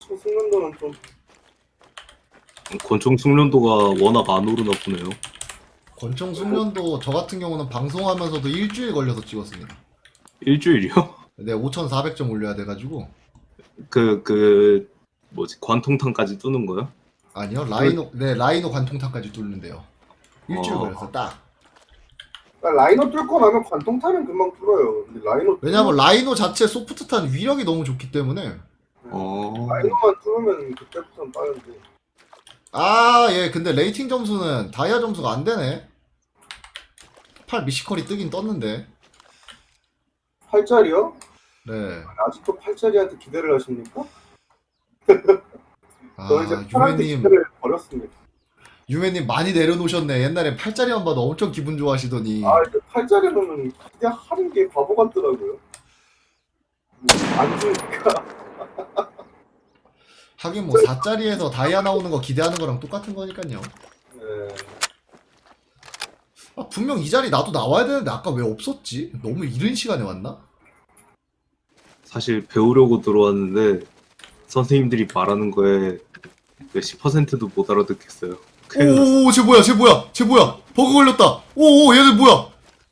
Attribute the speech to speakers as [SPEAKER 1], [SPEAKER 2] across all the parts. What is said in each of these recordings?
[SPEAKER 1] 권총 숙련도는 좀
[SPEAKER 2] 권총 숙련도가 워낙 안 오르나 보네요.
[SPEAKER 3] 권총 숙련도 저 같은 경우는 방송하면서도 일주일 걸려서 찍었습니다.
[SPEAKER 2] 일주일이요?
[SPEAKER 3] 네, 5,400점 올려야 돼가지고.
[SPEAKER 2] 뭐지, 관통탄까지 뚫는 거요?
[SPEAKER 3] 아니요, 라이노 관통탑까지 뚫는데요. 일주일 걸려서 딱.
[SPEAKER 1] 그러니까 라이너 뚫고 나면 관통탄은 금방 뚫어요. 근데 라이너
[SPEAKER 3] 왜냐면 라이노 자체 소프트탄 위력이 너무 좋기 때문에.
[SPEAKER 1] 라이너만 뚫으면 그때부터는 빠른데.
[SPEAKER 3] 아, 예, 근데 레이팅 점수는 다이아 점수가 안 되네. 8 미시컬이 뜨긴 떴는데.
[SPEAKER 1] 8짜리요?
[SPEAKER 3] 네.
[SPEAKER 1] 아직도 8짜리한테 기대를 하십니까?
[SPEAKER 3] 아,
[SPEAKER 1] 저 이제 8한테 기대를 버렸습니다.
[SPEAKER 3] 유메님 많이 내려놓으셨네. 옛날에 8짜리만 봐도 엄청 기분 좋아하시더니.
[SPEAKER 1] 아, 이제 8짜리는 기대하는 게 바보 같더라고요. 안 주니까.
[SPEAKER 3] 하긴 뭐 4짜리에서 다이아 나오는 거 기대하는 거랑 똑같은 거니까요.
[SPEAKER 1] 네.
[SPEAKER 3] 아, 분명 이 자리 나도 나와야 되는데 아까 왜 없었지? 너무 이른 시간에 왔나?
[SPEAKER 2] 사실 배우려고 들어왔는데 선생님들이 말하는 거에 10%도 못 알아듣겠어요. 큰일 났어.
[SPEAKER 3] 오오오, 쟤 뭐야? 버그 걸렸다. 오오, 얘들 뭐야?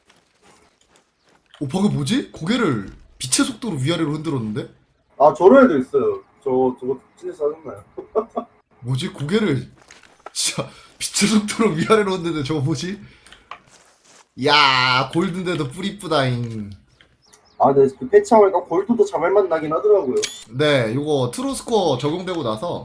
[SPEAKER 3] 오, 버그 뭐지? 고개를 빛의 속도로 위아래로 흔들었는데?
[SPEAKER 1] 아, 저런 애도 있어요. 저거 진짜 짜증나요.
[SPEAKER 3] 뭐지? 고개를 진짜 빛의 속도로 위아래로 흔드는데 저거 뭐지? 야, 골든데도 뿌리 이쁘다잉.
[SPEAKER 1] 아, 네, 그 패치하니까 골드도 자말만 나긴 하더라고요.
[SPEAKER 3] 네, 요거 트루스코어 적용되고 나서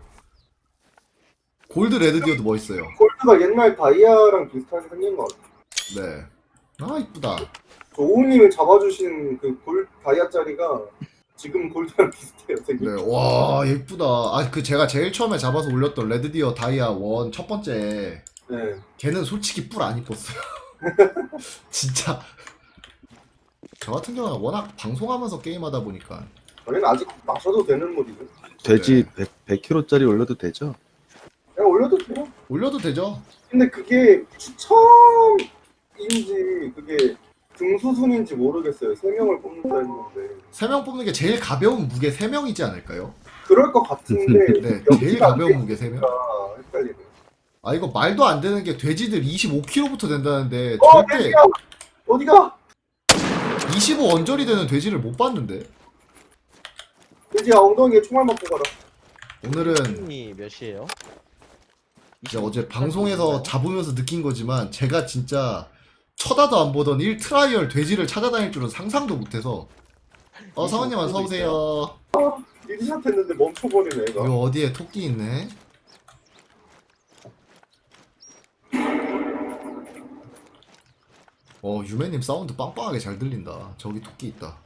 [SPEAKER 3] 골드 레드디어도 멋있어요.
[SPEAKER 1] 골드가 옛날 다이아랑 비슷하게 생긴 것 같아요.
[SPEAKER 3] 네. 아, 이쁘다.
[SPEAKER 1] 저 오우님이 잡아주신 그 다이아짜리가 지금 골드랑 비슷해요, 생긴.
[SPEAKER 3] 네, 와, 예쁘다. 아, 그 제가 제일 처음에 잡아서 올렸던 레드디어 다이아 1 첫 번째.
[SPEAKER 1] 네.
[SPEAKER 3] 걔는 솔직히 뿔 안 이뻤어요. 진짜. 저 같은 경우는 워낙 방송하면서 게임하다 보니까.
[SPEAKER 1] 저희는 아직 마셔도 되는 물이죠.
[SPEAKER 4] 돼지 100kg짜리 올려도 되죠?
[SPEAKER 1] 그냥 올려도 돼요.
[SPEAKER 3] 올려도 되죠?
[SPEAKER 1] 근데 그게 추첨인지 그게 등수순인지 모르겠어요. 3명을 뽑는다 했는데.
[SPEAKER 3] 3명 뽑는 게 제일 가벼운 무게 3명이지 않을까요?
[SPEAKER 1] 그럴 것 같은데
[SPEAKER 3] 네, 제일
[SPEAKER 1] 여기가
[SPEAKER 3] 가벼운 무게 3명.
[SPEAKER 1] 헷갈리네.
[SPEAKER 3] 아, 이거 말도 안 되는 게 돼지들 25kg부터 된다는데 절대
[SPEAKER 1] 돼지야! 어디가?
[SPEAKER 3] 25 언저리 되는 돼지를 못 봤는데.
[SPEAKER 1] 돼지야, 엉덩이에 총알 맞고 가라.
[SPEAKER 3] 오늘은
[SPEAKER 5] 이 몇이에요?
[SPEAKER 3] 진짜 어제 방송에서 잡으면서 느낀 거지만 제가 진짜 쳐다도 안 보던 1트라이얼 돼지를 찾아다닐 줄은 상상도 못해서. 성원님 어서오세요.
[SPEAKER 1] 리드샷 했는데 멈춰버리네, 얘가.
[SPEAKER 3] 이거 어디에 토끼 있네. 유매님 사운드 빵빵하게 잘 들린다. 저기 토끼 있다.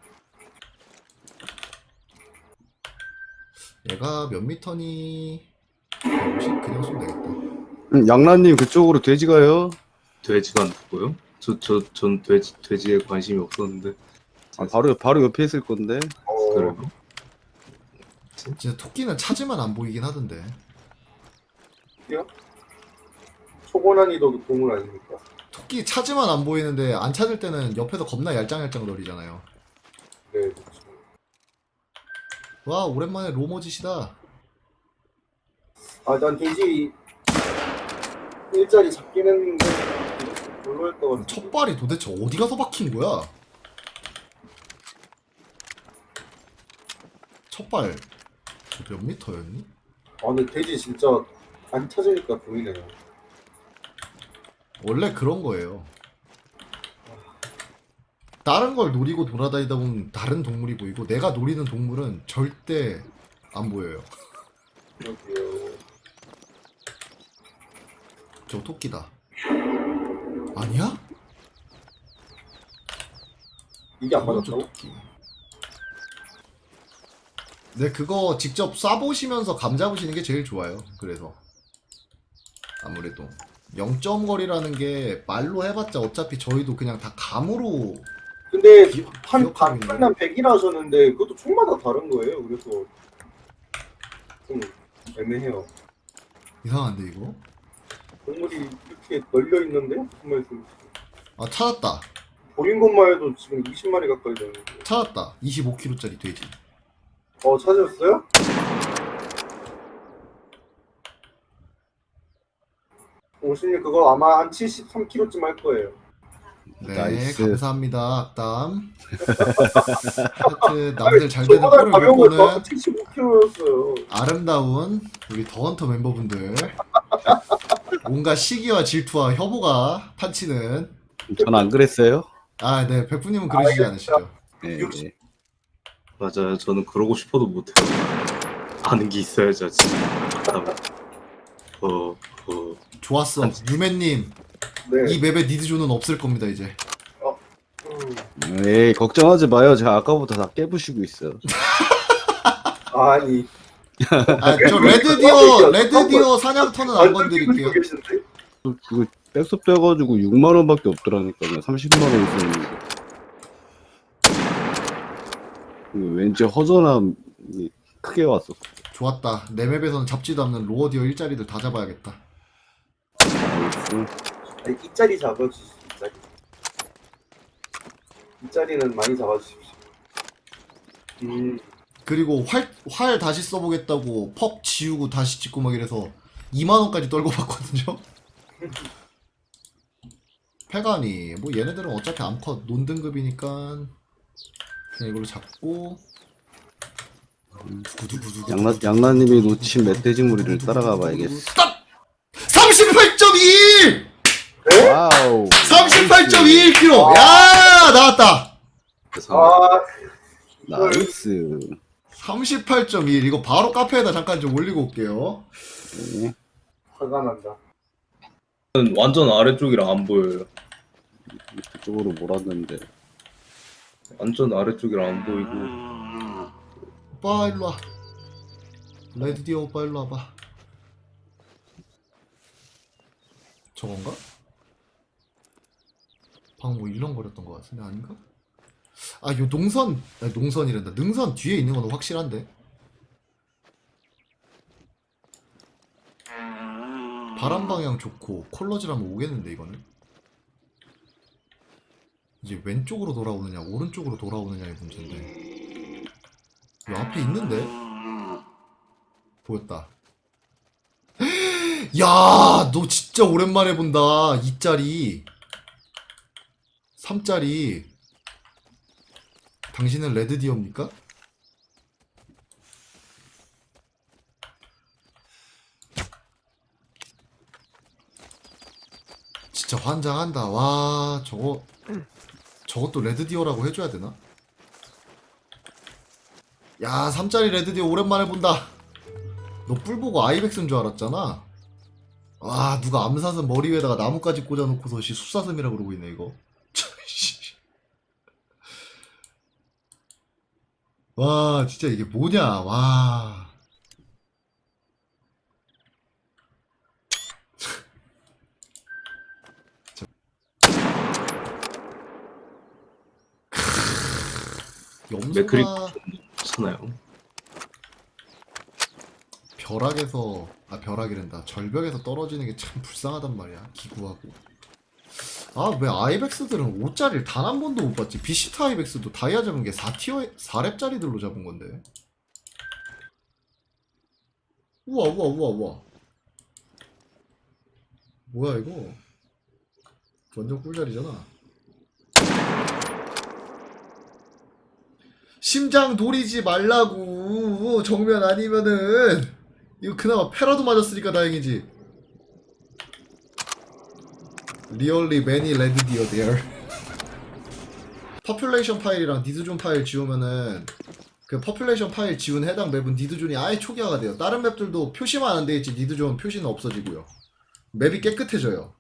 [SPEAKER 3] 얘가 몇 미터니? 150? 그냥 쏘면 되겠다.
[SPEAKER 4] 양라님 그쪽으로 돼지 가요?
[SPEAKER 2] 돼지가 누구요? 전 돼지에 관심이 없었는데.
[SPEAKER 4] 아, 바로 옆에 있을 건데.
[SPEAKER 2] 그래요?
[SPEAKER 3] 진짜 토끼는 찾으면 안 보이긴 하던데.
[SPEAKER 1] 초고난이도 동물 아닙니까?
[SPEAKER 3] 토끼 찾으면 안 보이는데 안 찾을 때는 옆에서 겁나 얄짱얄짱 거리잖아요.
[SPEAKER 1] 네, 그렇죠.
[SPEAKER 3] 와, 오랜만에 로머짓이다.
[SPEAKER 1] 아, 난 돼지 일자리 잡긴 했는데 별로였던 것 같아.
[SPEAKER 3] 첫 발이 도대체 어디 가서 박힌 거야? 첫 발 몇 미터였니?
[SPEAKER 1] 아, 근데 돼지 진짜 안 찾으니까 보이네요.
[SPEAKER 3] 원래 그런 거예요. 다른 걸 노리고 돌아다니다 보면 다른 동물이 보이고 내가 노리는 동물은 절대 안 보여요.
[SPEAKER 1] 그러게요.
[SPEAKER 3] 저 토끼다. 아니야?
[SPEAKER 1] 이게 안
[SPEAKER 3] 저
[SPEAKER 1] 맞았다고?
[SPEAKER 3] 토끼. 네, 그거 직접 쏴보시면서 감 잡으시는 게 제일 좋아요. 그래서 아무래도 0점 거리라는 게 말로 해봤자 어차피 저희도 그냥 다 감으로.
[SPEAKER 1] 근데
[SPEAKER 3] 기억하고 있네.
[SPEAKER 1] 반난 100이라 하셨는데 그것도 총마다 다른 거예요. 그래서 좀 애매해요.
[SPEAKER 3] 이상한데 이거?
[SPEAKER 1] 동물이 이렇게 널려 있는데 무슨 말씀?
[SPEAKER 3] 아, 찾았다.
[SPEAKER 1] 보인 것만 해도 지금 20마리 가까이 되는데.
[SPEAKER 3] 찾았다. 25kg짜리 돼지.
[SPEAKER 1] 찾으셨어요? 영신님 그거 아마 한 73kg쯤 할 거예요.
[SPEAKER 3] 네,
[SPEAKER 4] 나이스.
[SPEAKER 3] 감사합니다. 악담. 하여튼 남들 잘 되는
[SPEAKER 1] 저보다
[SPEAKER 3] 꼴을
[SPEAKER 1] 가벼운
[SPEAKER 3] 못
[SPEAKER 1] 거 저도
[SPEAKER 3] 보는
[SPEAKER 1] 75kg였어요.
[SPEAKER 3] 아름다운 우리 더헌터 멤버분들. 온갖 시기와 질투와 혐오가 판치는.
[SPEAKER 4] 전 안 그랬어요.
[SPEAKER 3] 아, 네, 백부님은 그러시지 않으시죠?
[SPEAKER 4] 네,
[SPEAKER 1] 육십.
[SPEAKER 4] 네.
[SPEAKER 2] 맞아요. 저는 그러고 싶어도 못해요. 아는 게 있어야죠, 진짜.
[SPEAKER 3] 좋았어. 유맨님,
[SPEAKER 1] 네.
[SPEAKER 3] 이 맵에 니드존은 없을 겁니다 이제.
[SPEAKER 4] 에이, 걱정하지 마요. 제가 아까부터 다 깨부시고 있어요.
[SPEAKER 1] 아니.
[SPEAKER 3] 아, 저 레드디어 사냥터는 안 건드릴게요.
[SPEAKER 1] 계신데?
[SPEAKER 4] 이거 백섭 돼가지고 6만 원밖에 없더라니까요. 30만 원 있었는데. 이거 왠지 허전함이 크게 왔어.
[SPEAKER 3] 좋았다. 내 맵에서는 잡지도 않는 로어디어 일자리들 다 잡아야겠다.
[SPEAKER 1] 아니, 이 자리 잡아주십시오. 이 자리. 이 자리는 많이 잡아주십시오.
[SPEAKER 3] 그리고 활 다시 써보겠다고 퍽 지우고 다시 찍고 막 이래서 2만원까지 떨고 봤거든요. 패가니 뭐 얘네들은 어차피 암컷 논등급이니까 그냥 이걸로 잡고
[SPEAKER 4] 양나님이 놓친 멧돼지 무리를 따라가 봐야겠어.
[SPEAKER 3] 38.21!
[SPEAKER 4] 와우.
[SPEAKER 3] 38.21kg! 야 나왔다!
[SPEAKER 2] 그래서
[SPEAKER 1] 아,
[SPEAKER 4] 나이스.
[SPEAKER 3] 38.21 이거 바로 카페에다 잠깐 좀 올리고 올게요.
[SPEAKER 4] 네.
[SPEAKER 1] 화가 난다.
[SPEAKER 2] 완전 아래쪽이라 안 보여요.
[SPEAKER 4] 그쪽으로 몰았는데.
[SPEAKER 2] 완전 아래쪽이라 안 보이고.
[SPEAKER 3] 오빠 일로와. 레드디어 오빠 일로 와봐. 저건가? 방금 뭐 일렁거렸던 것 같은데 아닌가? 아, 요 농선, 아니, 농선이란다. 능선 뒤에 있는 건 확실한데. 바람 방향 좋고 콜러지라면 오겠는데 이거는. 이제 왼쪽으로 돌아오느냐 오른쪽으로 돌아오느냐의 문제인데. 요 앞에 있는데. 보였다. 야, 너 진짜 오랜만에 본다. 2짜리 3짜리. 당신은 레드디어입니까? 진짜 환장한다. 와, 저것도 레드디어라고 해줘야 되나? 야, 3짜리 레드디어 오랜만에 본다. 너 뿔 보고 아이백스인 줄 알았잖아. 와, 누가 암사슴 머리 위에다가 나뭇가지 꽂아놓고서 숲사슴이라 그러고 있네 이거. 와, 진짜 이게 뭐냐. 와.
[SPEAKER 2] 맥크리
[SPEAKER 3] 염소가
[SPEAKER 2] 괜찮아요.
[SPEAKER 3] 벼락이란다. 절벽에서 떨어지는 게 참 불쌍하단 말이야. 기구하고. 아, 왜 아이백스들은 5짜리를 단 한 번도 못 봤지? 비시타 아이백스도 다이아 잡은 게 4렙짜리들로 잡은 건데. 우와, 우와, 우와, 우와. 뭐야, 이거? 완전 꿀자리잖아. 심장 돌이지 말라고. 정면 아니면은. 이거 그나마 패라도 맞았으니까 다행이지. Really many red deer there. 퍼퓰레이션 파일이랑 니드존 파일 지우면은 그 퍼퓰레이션 파일 지운 해당 맵은 니드존이 아예 초기화가 돼요. 다른 맵들도 표시만 안 돼있지 니드존 표시는 없어지고요. 맵이 깨끗해져요.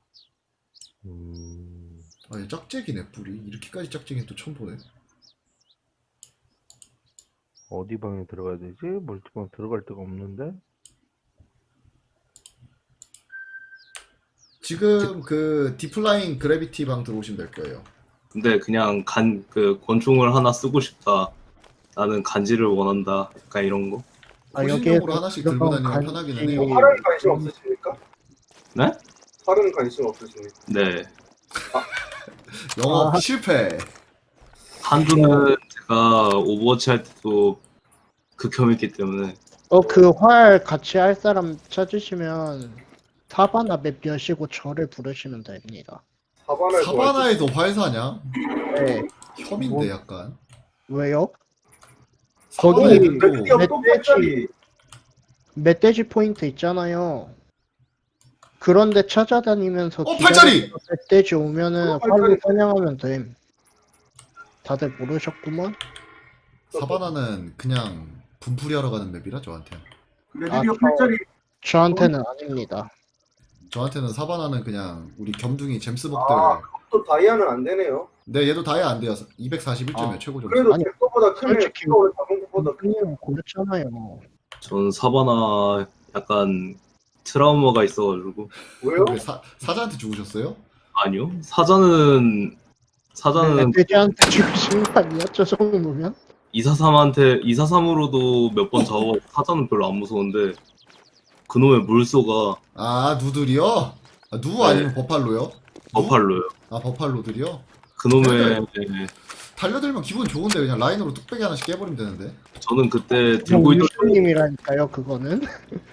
[SPEAKER 3] 아, 얘 짝짝이네 뿔이. 이렇게까지 짝짝이는 또 처음 보네.
[SPEAKER 5] 어디 방에 들어가야 되지? 멀티방 들어갈 데가 없는데?
[SPEAKER 3] 지금 그 디플라잉 그래비티 방 들어오시면 될 거예요.
[SPEAKER 2] 근데 그냥 권총을 하나 쓰고 싶다. 나는 간지를 원한다. 약간 이런 거.
[SPEAKER 3] 호신용으로 하나씩 들고 다니면 편하기는 해요.
[SPEAKER 1] 활은 관심 없으십니까?
[SPEAKER 2] 네?
[SPEAKER 1] 활은 관심 없으십니까?
[SPEAKER 2] 네.
[SPEAKER 3] 영업 실패.
[SPEAKER 2] 한두는 제가 오버워치 할 때도 극혐했기 때문에
[SPEAKER 6] 그 활 같이 할 사람 찾으시면 사바나 맵 여시고 저를 부르시면 됩니다.
[SPEAKER 3] 사바나에서 활사냐?
[SPEAKER 6] 네.
[SPEAKER 3] 혐인데
[SPEAKER 6] 뭐-
[SPEAKER 3] 약간.
[SPEAKER 6] 왜요?
[SPEAKER 3] 사바나에
[SPEAKER 6] 거기
[SPEAKER 3] 또
[SPEAKER 1] 맵기업 또 팔짜리.
[SPEAKER 6] 멧돼지 포인트 있잖아요. 그런데 찾아다니면서
[SPEAKER 3] 팔짜리!
[SPEAKER 6] 기다려서 멧돼지 오면은
[SPEAKER 1] 팔짜리.
[SPEAKER 6] 활로 사냥하면 됨. 다들 모르셨구먼?
[SPEAKER 3] 사바나는 그냥 분풀이 하러 가는 맵이라 저한테.
[SPEAKER 1] 레드기어
[SPEAKER 6] 아,
[SPEAKER 1] 팔짜리.
[SPEAKER 6] 저한테는 아닙니다.
[SPEAKER 3] 저한테는 사바나는 그냥 우리 겸둥이 잼스복들.
[SPEAKER 1] 또 다이아는 안 되네요.
[SPEAKER 3] 네, 얘도 다이아 안 돼요. 241점이에요,
[SPEAKER 6] 아,
[SPEAKER 3] 최고 점수.
[SPEAKER 1] 그래도
[SPEAKER 6] 아니,
[SPEAKER 1] 잭서보다 크네.
[SPEAKER 6] 솔직히-
[SPEAKER 1] 잭서보다 작은 것보다 크.
[SPEAKER 6] 형님 고르잖아요.
[SPEAKER 2] 전 사바나 약간 트라우마가 있어가지고.
[SPEAKER 1] 왜요?
[SPEAKER 3] 왜 사자한테 죽으셨어요?
[SPEAKER 2] 아니요. 사자는
[SPEAKER 6] 멧돼지한테 죽으신 거 아니야? 저 정도면?
[SPEAKER 2] 243으로도 몇 번 잡아. 사자는 별로 안 무서운데 그놈의 물소가
[SPEAKER 3] 아, 누들이요? 아, 누
[SPEAKER 2] 네.
[SPEAKER 3] 아니면 버팔로요? 누?
[SPEAKER 2] 버팔로요.
[SPEAKER 3] 아, 버팔로들이요?
[SPEAKER 2] 그놈의
[SPEAKER 3] 달려들면 기분 좋은데 그냥 라인으로 뚝배기 하나씩 깨버리면 되는데.
[SPEAKER 2] 저는 그때 들고 있던
[SPEAKER 6] 유수님이라니까요, 그거는.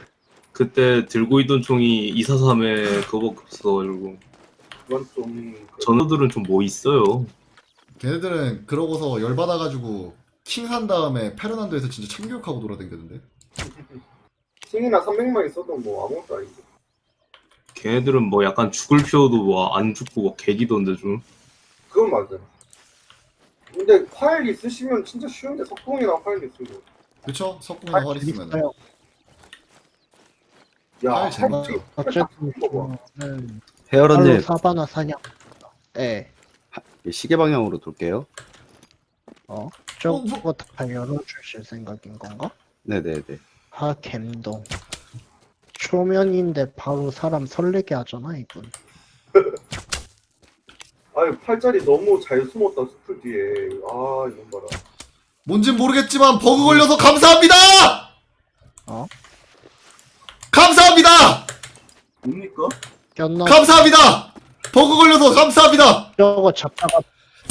[SPEAKER 2] 총이 243에 그거밖에 없어가지고.
[SPEAKER 1] 그건 좀.
[SPEAKER 2] 전우들은 좀 뭐 있어요.
[SPEAKER 3] 걔네들은 그러고서 열받아가지고 킹 산 다음에 페르난도에서 진짜 참교육하고 돌아다니는데.
[SPEAKER 1] 킹이나 300만 있어도 뭐 아무것도 아니고.
[SPEAKER 2] 걔네들은 뭐 약간 죽을 피워도 뭐 안 죽고 막 개기던데 좀.
[SPEAKER 1] 그건 맞아요. 근데 파일 있으시면 진짜 쉬운데 석궁이랑 파일 있으면.
[SPEAKER 3] 그쵸? 석궁이나 활 있으면.
[SPEAKER 6] 재밌어요.
[SPEAKER 1] 야,
[SPEAKER 3] 파일 재밌죠.
[SPEAKER 6] 어쨌든
[SPEAKER 1] 뭐.
[SPEAKER 6] 저는
[SPEAKER 4] 헤어런님
[SPEAKER 6] 팔로 사바나 사냥. 네.
[SPEAKER 4] 시계 방향으로 돌게요.
[SPEAKER 6] 저거 다 열어주실 생각인 건가?
[SPEAKER 4] 네네네.
[SPEAKER 6] 아, 갬동. 초면인데 바로 사람 설레게 하잖아, 이분.
[SPEAKER 1] 아니 팔자리 너무 잘 숨었다 숲을 뒤에. 아 이건 봐라.
[SPEAKER 3] 뭔진 모르겠지만 버그 걸려서 감사합니다!
[SPEAKER 6] 어?
[SPEAKER 3] 감사합니다!
[SPEAKER 1] 뭡니까?
[SPEAKER 6] 꼈나?
[SPEAKER 3] 감사합니다! 버그 걸려서 감사합니다!
[SPEAKER 6] 저거 잡다가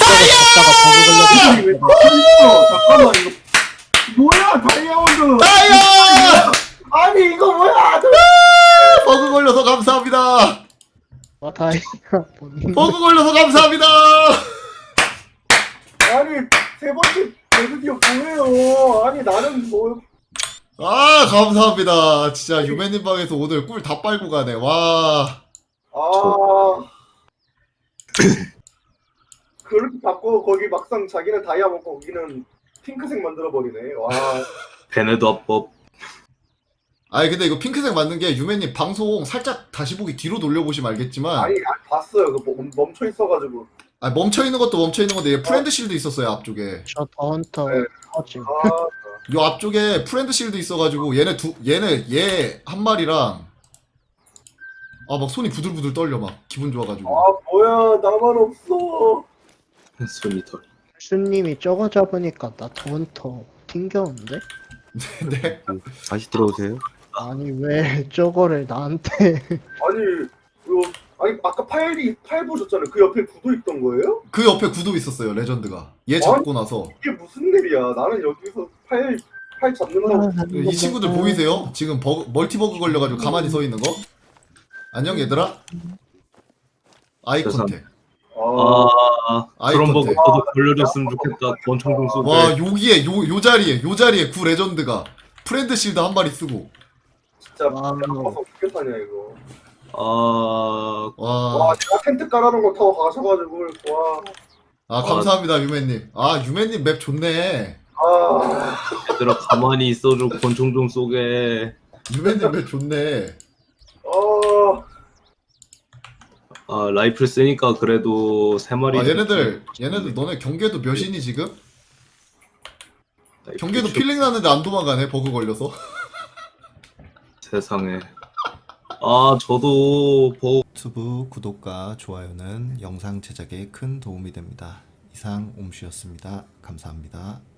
[SPEAKER 6] 버그
[SPEAKER 1] 왜 멈춰있어? 잠깐만 이거 뭐야 다이아몬드.
[SPEAKER 3] 다이아!
[SPEAKER 1] 아니 이거 뭐야?
[SPEAKER 3] 버그 걸려서 감사합니다!
[SPEAKER 6] 걸려. 다이아
[SPEAKER 3] 버그 걸려서 감사합니다!
[SPEAKER 1] 아니 세 번째 레드기어 뭐예요? 아니 나는 뭐.
[SPEAKER 3] 아, 감사합니다. 진짜 유맨님 방에서 오늘 꿀 다 빨고 가네. 와.
[SPEAKER 1] 아. 그렇게 잡고 거기 막상 자기는 다이아 먹고 거기는 핑크색 만들어 버리네. 와.
[SPEAKER 2] 베네도 합법.
[SPEAKER 3] 아니 근데 이거 핑크색 맞는 게 유맨님 방송 살짝 다시 보기 뒤로 돌려보시면 알겠지만
[SPEAKER 1] 아니 봤어요. 그 멈춰 있어가지고.
[SPEAKER 3] 아, 멈춰 있는 것도 멈춰 있는 건데 얘 프렌드 실드 있었어요 앞쪽에.
[SPEAKER 6] 저 더헌터
[SPEAKER 1] 네.
[SPEAKER 6] 터짐.
[SPEAKER 1] 아.
[SPEAKER 3] 요 앞쪽에 프렌드 실드 있어가지고 얘 한 마리랑 아 막 손이 부들부들 떨려 막 기분 좋아가지고.
[SPEAKER 1] 아 뭐야 나만 없어.
[SPEAKER 2] 손이 덜.
[SPEAKER 6] 수님이 저거 잡으니까 나 더헌터 튕겨오는데?
[SPEAKER 3] 네.
[SPEAKER 4] 다시 들어오세요.
[SPEAKER 6] 아니 왜 저거를 나한테
[SPEAKER 1] 아니 이거 아니 아까 파일 보셨잖아요. 그 옆에 구도 있던 거예요?
[SPEAKER 3] 그 옆에 구도 있었어요 레전드가. 얘 잡고 나서
[SPEAKER 1] 이게 무슨 일이야? 나는 여기서 파일 잡는다고.
[SPEAKER 3] 이 친구들 보이세요? 지금 멀티버그 걸려가지고 가만히 서 있는 거? 안녕 얘들아. 아이 컨택.
[SPEAKER 1] 아,
[SPEAKER 2] 아 그런 버그
[SPEAKER 3] 컨택.
[SPEAKER 2] 저도 걸려줬으면 좋겠다. 권총좀 쏘게.
[SPEAKER 3] 와 여기에 요 자리에 구 레전드가 프렌드 실드 한 마리 쓰고.
[SPEAKER 1] 진짜
[SPEAKER 6] 와,
[SPEAKER 1] 가서 어떻게 사냐 이거.
[SPEAKER 2] 아
[SPEAKER 3] 와.
[SPEAKER 1] 제가 텐트 깔아놓은 거 타고 가셔가지고 와.
[SPEAKER 3] 아 감사합니다 유맨님. 아 유맨님 맵 좋네.
[SPEAKER 1] 아,
[SPEAKER 2] 얘들아 가만히 있어줘. 권총 좀 쏘게.
[SPEAKER 3] 유맨님 맵 좋네.
[SPEAKER 2] 아 라이플 쓰니까 그래도 3마리.
[SPEAKER 3] 아 얘네들 너네 경계도 몇이니 지금? 경계도 필링 나는데 안 도망가네 버그 걸려서.
[SPEAKER 2] 세상에. 아 저도
[SPEAKER 3] 유튜브 구독과 좋아요는 영상 제작에 큰 도움이 됩니다. 이상 옴슈였습니다. 감사합니다.